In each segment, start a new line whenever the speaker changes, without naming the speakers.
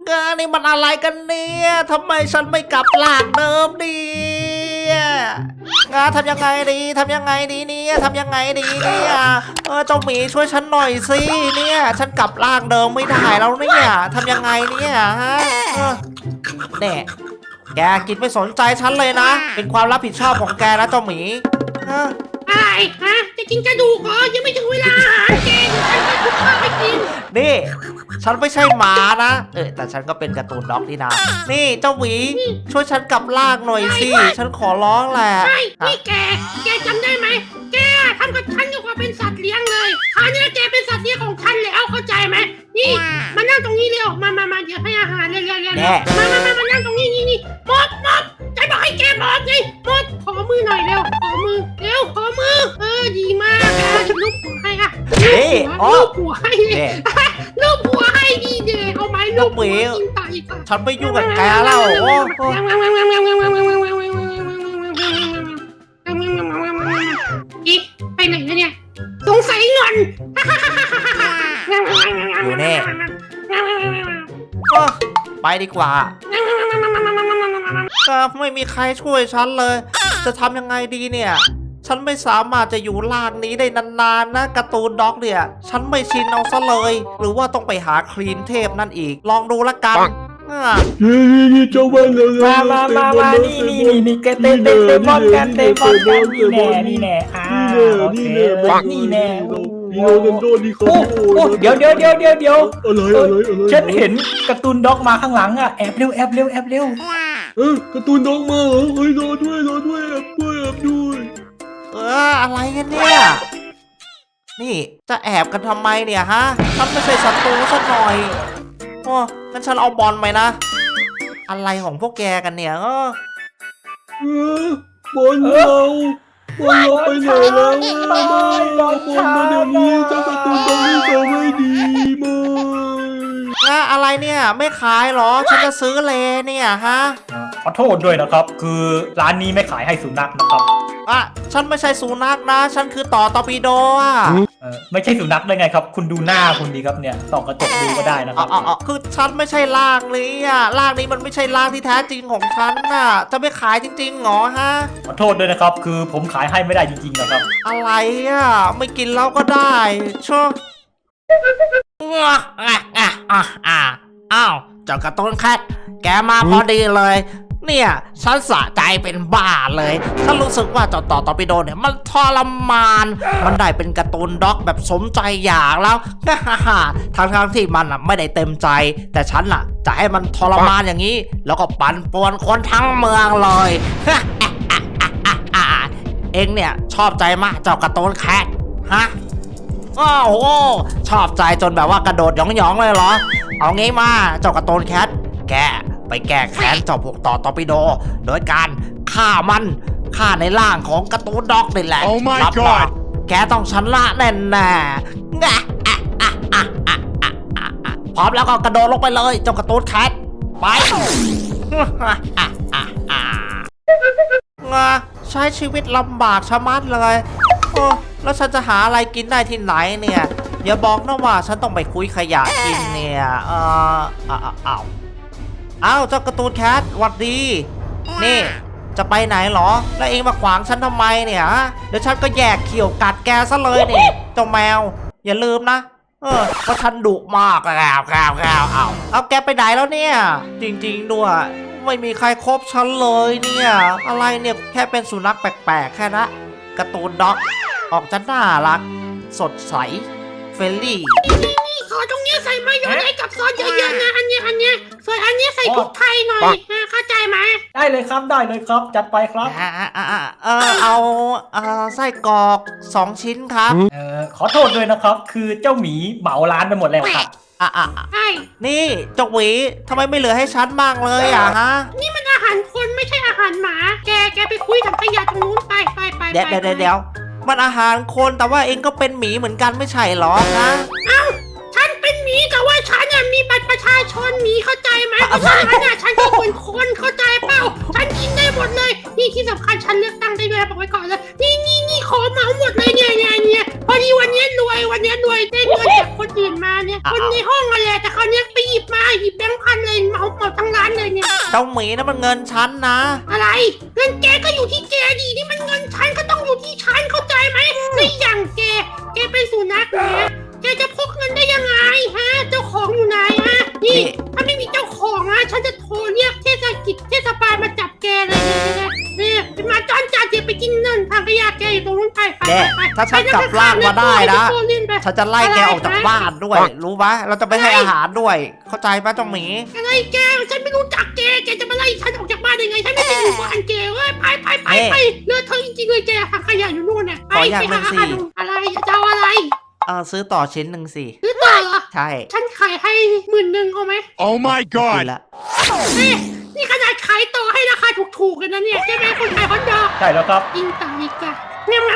นี่มันอะไรกันเนี่ยทำไมฉันไม่กลับร่างเดิมเนี่ยทำยังไงดีทำยังไงดีเนี่ยทำยังไงดีเนี่ยเจ้าหมีช่วยฉันหน่อยสิเนี่ยฉันกลับร่างเดิมไม่ได้แล้วเนี่ยทำยังไงเนี่ยฮะเนี่ยแกกินไม่สนใจฉันเลยนะเป็นความรับผิดชอบของแกนะเจ้าหมี
อะไรฮะจะกินกระดูกเหรอยังไม่ถึงเวลาอาหารแกเดี๋ยวฉันไปคุกข้าวไปกิน
นี่ฉันไม่ใช่หมานะแต่ฉันก็เป็นการ์ตูนด็อกนี่นะนี่เจ้าหวีช่วยฉันกลับร่างหน่อยสิฉันขอร้องแหละ
ใช่นี่แกจำได้ไหมแกทำกับฉันกับความเป็นสัตว์เลี้ยงเลยคราวนี้แกเป็นสัตว์เลี้ยงของฉันแล้วเข้าใจไหมนี่มานั่งตรงนี้เร็วมาเดี๋ยวให้อาหารเร็วมานั่งตรงนี้นี่มดจะบอกให้แกบอกไงมดขอมือหน่อยเร็วขอมือดีมากลูกหัวให้อะลูกหัวให้ลูกหัวให้ดีเดเอาไหมลูกหัวกินตายก่อน
ฉันไม่ยุ่งกับแกแล้ว
อีไปไหนแล้วเนี่ยสงสัยงอน
อยู่แน่ไปดีกว่าก็ไม่มีใครช่วยฉันเลยจะทำยังไงดีเนี่ยฉันไม่สามารถจะอยู่ร่างนี้ได้นานๆนะการ์ตูนด็อกเนี่ยฉันไม่ชินเอาซะเลยหรือว่าต้องไปหาครีมเทพนั่นอีกลองดูละกัน
นี่เจ้าบ้านเลย
มานี่เตะบอลกันนี่แน่นี่แน่
โรนัลโดนี่เขา
เดี๋ยว
อะไร
ฉันเห็นการ์ตูนด็อกมาข้างหลังอ่ะแอบเร็ว
การ์ตูนด็อกมาเหรอรอด้วยแอบด้วย
อะไรกันเนี่ยนี่จะแอบกันทำไมเนี่ยฮะฉันไม่ใช่ศัตรูสักหน่อยงั้นฉันเอาบอลไปนะอะไรของพวกแกกันเนี่ย
บอลเราไปไหนแล้วบอลมาเดี๋ยวนี้เจ้าการ์ตูนด็อกนี่เขาไม่ดี
มาอะไรเนี่ยไม่ขายหรอฉันจะซื้อเลเนี่ยฮะ
ขอโทษด้วยนะครับคือร้านนี้ไม่ขายให้สุนัขนะครับ
ฉันไม่ใช่สุนัขนะฉันคือต่อตอร์ปิโด
ไม่ใช่สุนัขได้ไงครับคุณดูหน้าคุณดีครับเนี่ยส่องกระจกดูก็ได้นะครับ
คือฉันไม่ใช่ร่างนี้ร่างนี้มันไม่ใช่ร่างที่แท้จริงของฉันน่ะจะไม่ขายจริงๆหรอฮะ
ขอโทษด้วยนะครับคือผมขายให้ไม่ได้จริงๆนะครับ
อะไรไม่กินแล้วก็ได้ชัวอ้าวเจ้าการ์ตูนแคทแกมาพอดีเลยเนี่ยฉันสะใจเป็นบ้าเลยฉันรู้สึกว่าเจ้าต่อตอร์ปิโดเนี่ยมันทรมานมันได้เป็นการ์ตูนด็อกแบบสมใจอยากแล้วทั้งที่มันไม่ได้เต็มใจแต่ฉันจะให้มันทรมานอย่างนี้แล้วก็ปั่นป่วนคนทั้งเมืองเลยเอ็งเนี่ยชอบใจมากเจ้าการ์ตูนแคทฮะโอ้โหชอบใจจนแบบว่ากระโดดหยองๆเลยเหรอเอางี้มาเจ้าการ์ตูนแคทแกไปแก้แค้นเจ้าพวกต่อตอร์ปิโดโดยการฆ่าในร่างของการ์ตูนด็อกนี่แหละรับรองแกต้องชนะแน่พร้อมแล้วก็กระโดดลงไปเลยเจ้าการ์ตูนแคทไปใช้ชีวิตลำบากชะมัดเลยแล้วฉันจะหาอะไรกินได้ที่ไหนเนี่ยอย่าบอกนะว่าฉันต้องไปคุยขยะกินเนี่ยอ้าวเจ้าการ์ตูนแคทหวัดดีนี่จะไปไหนหรอแล้วเองมาขวางฉันทำไมเนี่ยเดี๋ยวฉันก็แยกเขี่ยวกัดแกซะเลยนี่เจ้าแมวอย่าลืมนะว่าฉันดุมากเอาแกไปไหนแล้วเนี่ยจริงๆด้วยไม่มีใครคบฉันเลยเนี่ยอะไรเนี่ยแค่เป็นสุนัขแปลกๆแค่นะการ์ตูนด็อกออกจะน่ารักสดใสเฟรนลี่
นี่ขอตรงนี้ใส่มายองเนสกับซอสเยอะๆนะอันนี้ส่วนอันนี้ใส่พริกไทยหน่อยเข้าใจไหม
ได้เลยครับจัดไปครับ
เอาไส้กรอก2 ชิ้นครับ
ขอโทษด้วยนะครับคือเจ้าหมีเหมาร้านไปหมดแล้วครับ
ใช่
นี่เจ้าหวีทำไมไม่เหลือให้ฉันบ้างเลยฮะ
นี่มันอาหารคนไม่ใช่อาหารหมาแกไปคุยกับขยะตรงนู้นไป
เดี๋ยวมันอาหารคนแต่ว่าเองก็เป็นหมีเหมือนกันไม่ใช่หรอนะ
ฉันเป็นหมีแต่ว่าฉันมีบัตรประชาชนหมีเข้าใจไหมเพราะฉะนั้นฉันก็เป็นคนเข้าใจเปล่าฉันกินได้หมดเลยนี่ที่สำคัญฉันเลือกตั้งได้ด้วยบอกไว้ก่อนเลยนี่ขอเหมาหมดเลยเนี่ยพอดีวันนี้รวยได้เงินจากคนอื่นมาเนี่ยคนในห้องอะไรแต่เขาเนี่ยไปหยิบแบงค์พันเลยเลยเหมาทั้งร้านเลยเนี่ย
เจ้าหมีนั่นมันเงินฉันนะ
อะไรเงินแกก็อยู่ที่แกดีนี่มันเงินฉันก็ต้องอยู่ที่ฉันเข้าใจไหมไม่อย่างแกเป็นสุนัขเนี่ยแกจะพกเงินได้ยังไงฮะเจ้าของอยู่ไหนฮะนี่ถ้าไม่มีเจ้าของนะฉันจะโทรเรียกเทศบาลมาจับแกเลยเนี่ยเป็นมาจอนจัดเดี๋ยวไปกินเงินทางขยะแกอยู่ตรงนู้นไป
แกถ้าฉันกลับร่างมาได้นะฉันจะไล่แกออกจากบ้านด้วย รู้ไหมเราจะไม่ให้อาหารด้วย เข้าใจไหมเจ้าหมี
อะไรแกฉันไม่รู้จักแกจะมาไล่ฉันออกจากบ้านยังไงฉันไม่ได้อยู่บ้านแกเว้ยไปเลือดเธอจริงๆเลยแกทางขยะอยู่นู่นน่ะไปหาอะไรจะเอาอะไร
ซื้อต่อชิ้นหนึ่งสิ
ซื้อต่อเหรอ
ใช่
ฉันขายให้10,000เอาไหม
Oh my
ดู
god!
ละ
นี่ขนาดขายต่อให้ราคาถูกๆกันนะเนี่ยใช่ไหมคนขายคอนโด
ใช่แล้วครับ
กินต่างอีกอะงาม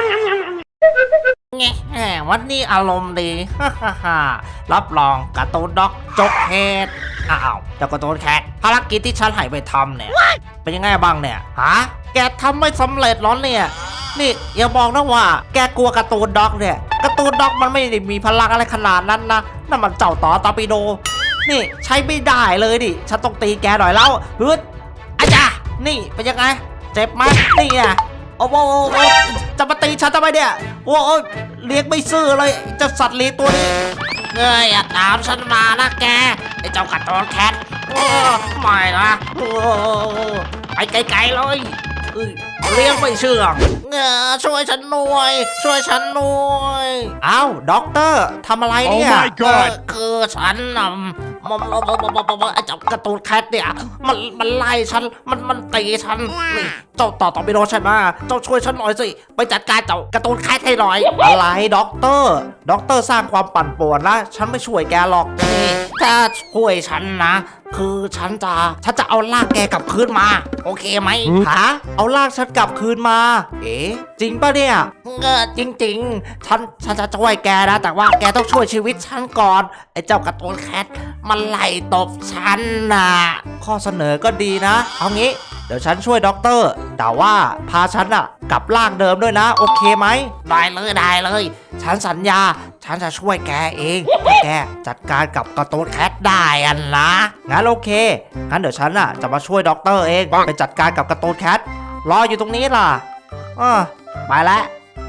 แง่วันนี้อารมณ์ดี รับรองการ์ตูนด็อกจบเหตุอ้าวเจ้าการ์ตูนแคทภารกิจที่ฉันให้ไปทำเนี่ย เป็นยังไงบ้างเนี่ยฮะแกทำไม่สำเร็จหรอเนี่ย นี่อย่าบอกนะว่าแกกลัวการ์ตูนด็อกเนี่ยการ์ตูนด็อกมันไม่ได้มีพลังอะไรขนาดนั้นนะนั่นมันเจ้าต่อตอร์ปิโดนี่ใช้ไม่ได้เลยดิฉันต้องตีแกหน่อยแล้วฮึดอาจารย์นี่เป็นยังไงเจ็บไหมนี่ไงโอ้โหจะมาตีฉันทำไมเนี่ยโอ้ยเลี้ยงไม่ซื่อเลยเจ้าสัตว์เลี้ยงตัวนี้เงยตามฉันมานะแกไอ้เจ้าการ์ตูนแคทไม่นะไปไกลๆเลยเลี้ยงไม่เชื่องช่วยฉันหน่วยอ้าวด็อกเตอร์ทำอะไรเนี่ย
Oh my god
คือฉันไอ้เจ้าการ์ตูนแคทเนี่ยมันไล่ฉันมันตีฉันนี่เจ้าต่อไปโดนฉันมาเจ้าช่วยฉันหน่อยสิไปจัดการเจ้าการ์ตูนแคทให้หน่อยอะไรด็อกเตอร์สร้างความปั่นป่วนนะฉันไม่ช่วยแกหรอกนี่ถ้าช่วยฉันนะคือฉันจะเอาลากแกกลับคืนมาโอเคไหมฮะเอาลากฉันกลับคืนมาเอ๊ะจริงป่ะเนี่ยจริงฉันจะช่วยแกนะแต่ว่าแกต้องช่วยชีวิตฉันก่อนไอ้เจ้าการ์ตูนแคทมันไล่ตบฉันน่ะข้อเสนอก็ดีนะเอางี้เดี๋ยวฉันช่วยด็อกเตอร์แต่ว่าพาฉันอะกลับร่างเดิมด้วยนะโอเคไหมได้เลยฉันสัญญาฉันจะช่วยแกเองถ้าแกจัดการกับการ์ตูนแคทได้อันนะงั้นโอเคงั้นเดี๋ยวฉันอะจะมาช่วยด็อกเตอร์เองไปจัดการกับการ์ตูนแคทรออยู่ตรงนี้ล่ะไปแล้ว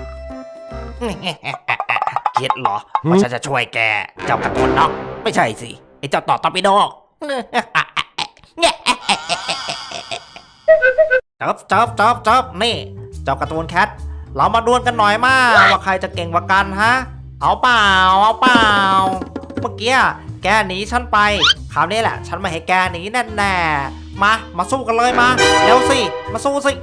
คิดเหรอว่าฉันจะช่วยแกเจ้าการ์ตูนด็อกไม่ใช่สิไอ้เจ้าต่อตอร์ปิโดจับนี่เจ้าการ์ตูนแคทเรามาดวลกันหน่อยมาว่าใครจะเก่งกว่ากันฮะเอาเปล่าเมื่อกี้แกหนีฉันไปคราวนี้แหละฉันไม่ให้แกหนีแน่มาสู้กันเลยมาเร็วสิมาสู้สิ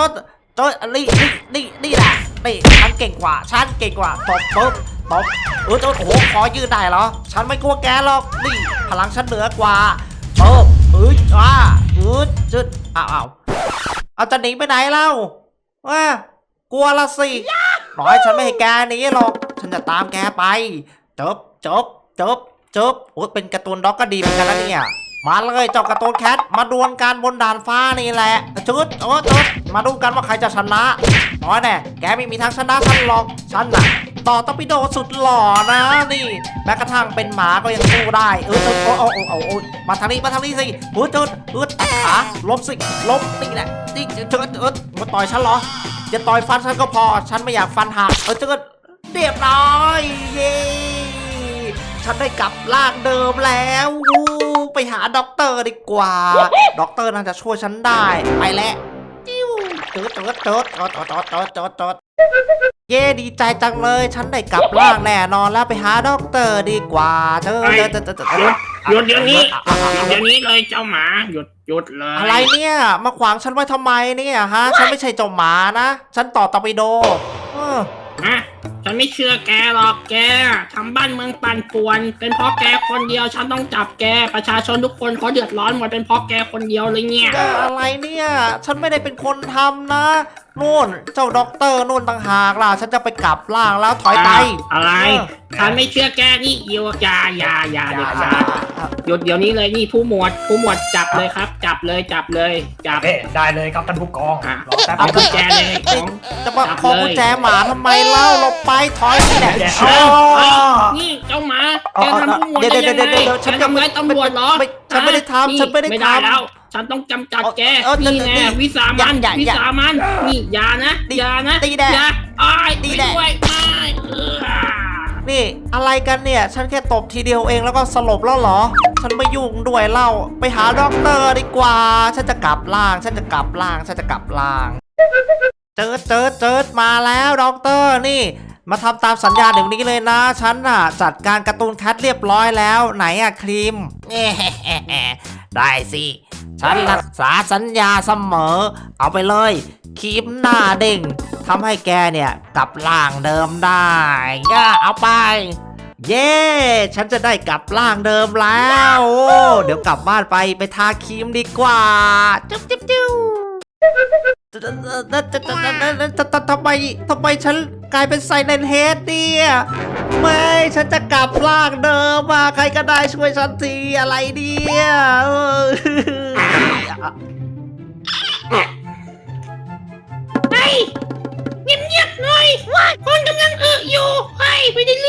นี่แหละนี่ฉันเก่งกว่าตบปุ๊บตบโอ้โหขอยืดได้เหรอฉันไม่กลัวแกหรอกนี่พลังฉันเหนือกว่าจุดเอาจะหนีไปไหนเล่ากลัวละสิน้อยฉันไม่ให้แกหนีหรอกฉันจะตามแกไปจบโอ้เป็นการ์ตูนด็อกก็ดีเหมือนกันนะเนี่ยมาเลยเจ้าการ์ตูนแคทมาดวลกันบนด่านฟ้านี่แหละจุดมาดูกันว่าใครจะชนะน้อยแน่แกไม่มีทางชนะฉันหรอกฉันน่ะต่อตอร์ปิโดสุดหล่อนะนี่แม้กระทั่งเป็นหมาก็ยังสู้ได้มาทางนี้สิตัดขาล้มนี่แหละนี่มาต่อยฉันเหรอจะต่อยฟันฉันก็พอฉันไม่อยากฟันหักเรียบร้อยเย้ฉันได้กลับร่างเดิมแล้วไปหาด็อกเตอร์ดีกว่าด็อกเตอร์น่าจะช่วยฉันได้ไปแล้วเย่ดีใจจังเลยฉันได้กลับร่างแน่นอนแล้วไปหาด็อกเตอร์ดีกว่าห
ยุดเดี๋ยวนี้เลยเจ้าหมาหยุดเลย
อะไรเนี่ยมาขวางฉันไว้ทำไมเนี่ยฮะฉันไม่ใช่เจ้าหมานะฉันต่อตอร์ปิโด
ฉันไม่เชื่อแกหรอกแกทำบ้านเมืองปั่นป่วนเป็นเพราะแกคนเดียวฉันต้องจับแกประชาชนทุกคนเขาเดือดร้อนหมดเป็นเพราะแกคนเดียวเลยเนี่ย
อะไรเนี่ยฉันไม่ได้เป็นคนทำนะนู่นเจ้าด็อกเตอร์นู่นต่างหากล่ะฉันจะไปกลับร่างแล้วถอยไป
อะไรฉันไม่เชื่อแกนี่อย่าเด็ดขาดหยุดเดี๋ยวนี้เลยนี่ผู้หมวดจับเลยครับจับ
ได้เลยครับท่านผู้กอง
เอากุญแจเลย
จะมาขอกุญแจหมาทำไมเล่าหลบไปถอยนี่แหละ
นี่เจ้าหมาแกทำผู้หมวดได้ยังไงฉันทำร้ายตำรวจเหรอ
ฉันไม่ได้ทำฉันไม่ได้
ไม่
ท
ได้แล้ว ฉันต้องกำจัดแก นี่แน่วิสามันวิสามันนี่อย่านะอย่านะ
ตีแดด
อย่าอ้าย
ตี
ไป
แดด
ด้วยไม่เออ
ำนี่อะไรกันเนี่ย ฉันแค่ตบทีเดียวเองแล้วก็สลบแล้วเหรอ ฉันไม่ยุ่งด้วยเล่าไปหาด็อกเตอร์ดีกว่า ฉันจะกลับล่าง ฉันจะกลับล่าง ฉันจะกลับล่าง เจิดมาแล้วด็อกเตอร์นี่ มาทำตามสัญญาเดี๋ยวนี้เลยนะ ฉันน่ะจัดการการ์ตูนแคทเรียบร้อยแล้วไหนอะครีม ได้สิ ฉันรักษาสัญญาเสมอ เอาไปเลยครีมหน้าเด้งทำให้แกเนี่ยกลับร่างเดิมได้ย่าเอาไป เย้ฉันจะได้กลับร่างเดิมแล้วโอ้เดี๋ยวกลับบ้านไปทาครีมดีกว่าจุ๊บจุ๊บจุ๊บทำไมฉันกลายเป็นไซเลนเฮดเนี่ยไม่ฉันจะกลับร่างเดิมมาใครก็ได้ช่วยฉันทีอะไรเนี่ย
เฮ้ยเงียบๆหน่อยคนกำลังอยู่เฮ้ยไม่ได้เรื่อง